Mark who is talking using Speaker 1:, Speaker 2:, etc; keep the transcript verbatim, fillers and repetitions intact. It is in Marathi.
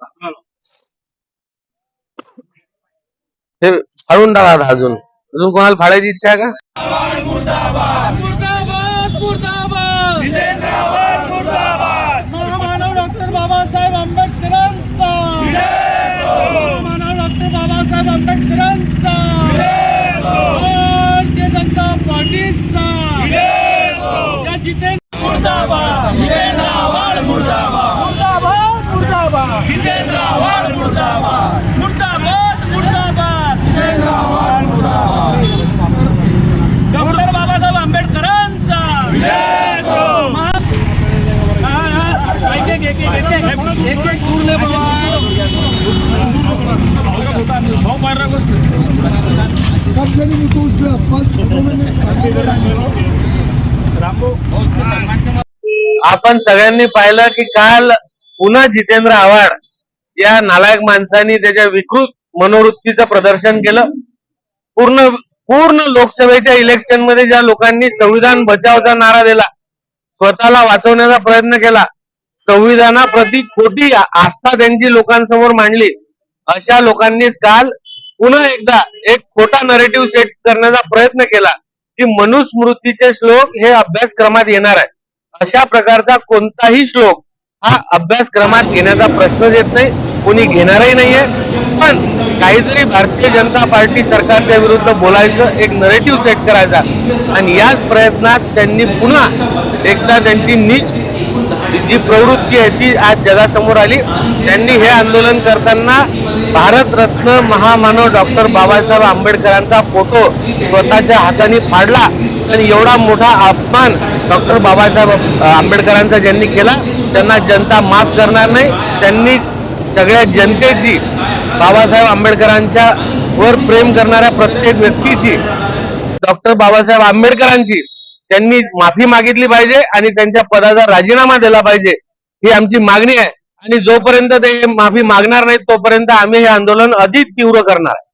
Speaker 1: हे फाडून टाका आता. अजून अजून कोणाला फाडायची इच्छा आहे का?
Speaker 2: मुर्दाबाद मुर्दाबाद मुर्दाबाद जितेंद्र आव्हाड मुर्दाबाद महामानव डॉक्टर बाबासाहेब आंबेडकरांचा महामानव डॉक्टर बाबासाहेब आंबेडकरांचा भारतीय जनता पार्टीचा या जितेंद्र मुर्दाबाद जितेंद्र आव्हाड मुर्दाबाद मुर्दाबाद मुर्दाबाद जितेंद्र आव्हाड मुर्दाबाद मुर्दाबाद मुर्दाबाद जितेंद्र आव्हाड मुर्दाबाद डॉक्टर बाबासाहेब आंबेडकरांचा
Speaker 1: आपण सगळ्यांनी पाहिलं की काल पुन्हा जितेंद्र आव्हाड या नालायक माणसांनी त्याच्या विकृत मनोवृत्तीचं प्रदर्शन केलं. पूर्ण पूर्ण लोकसभेच्या इलेक्शन मध्ये ज्या लोकांनी संविधान बचावचा नारा दिला, स्वतःला वाचवण्याचा प्रयत्न केला, संविधानाप्रती खोटी आस्था त्यांची लोकांसमोर मांडली, अशा लोकांनीच काल पुन्हा एकदा एक खोटा नरेटिव्ह सेट करण्याचा प्रयत्न केला की मनुस्मृतीचे श्लोक हे अभ्यासक्रमात येणार आहे. अशा प्रकारचा कोणताही श्लोक हा अभ्यासक्रमात घेण्याचा प्रश्नच येत नाही, कोणी घेणारही नाहीये. पण काहीतरी भारतीय जनता पार्टी सरकारच्या विरुद्ध बोलायचं, एक नरेटिव्ह सेट करायचा, आणि याच प्रयत्नात त्यांनी पुन्हा एकदा त्यांची नीच जी प्रवृत्ती आहे ती आज जगासमोर आली. त्यांनी हे आंदोलन करताना भारतरत्न महामानव डॉक्टर बाबासाहेब आंबेडकरांचा फोटो स्वतःच्या हाताने फाडला आणि एवढा मोठा अपमान डॉक्टर बाबासाहेब आंबेडकरांचा ज्यांनी केला त्यांना जनता माफ करणार नाही. त्यांनी सगळ्या जनतेची, बाबासाहेब आंबेडकरांच्या वर प्रेम करणाऱ्या प्रत्येक व्यक्तीची, डॉक्टर बाबासाहेब आंबेडकरांची त्यांनी माफी मागितली पाहिजे आणि त्यांच्या पदाचा राजीनामा दिला पाहिजे, ही आमची मागणी आहे. आणि जोपर्यंत ते माफी मागणार नाहीत तोपर्यंत आम्ही हे आंदोलन अधिक तीव्र करणार.